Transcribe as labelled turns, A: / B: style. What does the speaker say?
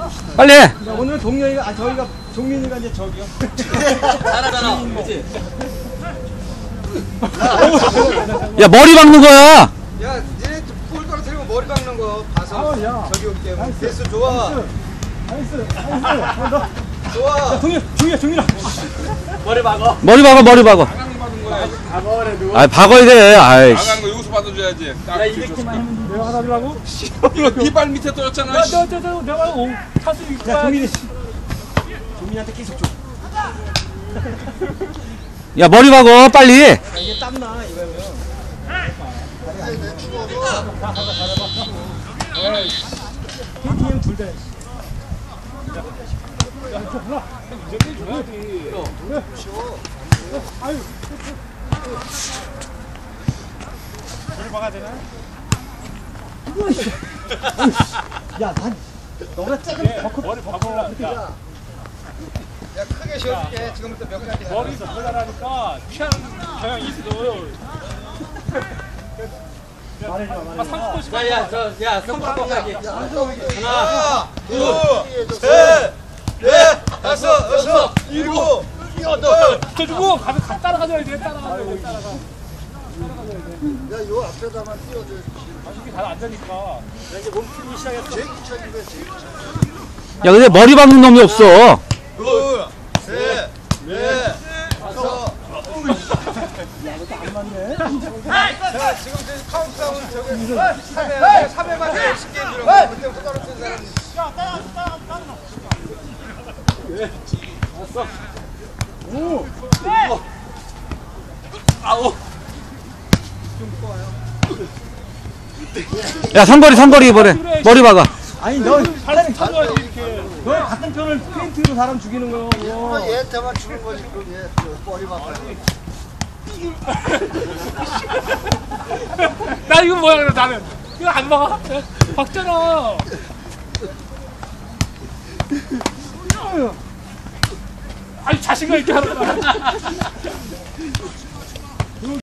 A: 빨리 해.
B: 야, 오늘 동료이가, 아, 저희가, 종민이가 이제 저기요.
C: 잘하잖아. 그치?
A: 야, 머리 박는 거야.
D: 야, 니네 볼 떨어뜨리고 머리 박는 거 봐서
B: 아, 야.
D: 저기 올게. 됐어, 좋아.
B: 나이스.
D: 좋아.
B: 종민아.
C: 머리 박어.
A: 머리 박아, 머리 박아. 아, 박아야 돼. 아이씨.
E: 나가는 거 여기서 받아줘야지. 딱
C: 야, 200개만 하면
B: 내가 하다 주라고?
E: 이거 네발 밑에 떨어졌잖아. 씨.
B: 내가 차수 있고. 야, 종민이한테 계속 줘.
A: 야, 머리 박아, 빨리.
B: 야, 이게 땀나, 이거면. KTM 둘 다. 야, 저 몰라. 이제 줘야지. 그래. 아유. 머리 박아야 되나? 야, 난 너가 조금 머리 박아.
D: 야, 크게 쉬어줄게. 지금부터 몇 가지 해.
B: 머리 더 잘하니까 취하는 경향이 있어. 말해줘, 말해줘. 30분씩.
C: 야, 손바닥까지.
D: 하나, 둘, 셋, 넷, 다섯, 여섯, 일곱, 여덟.
B: 저 주고 가면 따라가줘야 돼. 따라가줘야 돼. 따라가.
D: 야, 요 앞에다만 띄워줘.
B: 이게 다 안 되니까. 이제 몸 풀기 시작했어.
D: 제일 귀찮은 거야, 제일 귀찮은
A: 야, 근데 머리 박는 놈이 없어.
D: 둘, 셋, 넷, 다섯.
B: 안 맞네.
D: 자, 지금 저 카운트다운 저기 3회만 10개 주는 거. 그때부터 떨어진 사람이.
C: 아우.
A: 야, 삼거리 이번에. 머리 박아.
B: 아니, 너 사람이 쳐줘야지, 이렇게. 너 같은 편을 페인트로 사람 죽이는 거.
D: 뭐 얘한테만 주는 거지, 그럼 얘 머리 박아요.
B: 나 이거 뭐야, 그래, 나는. 이거 안 막아? 박잖아. 아니, 자신감 있게 하는 거야.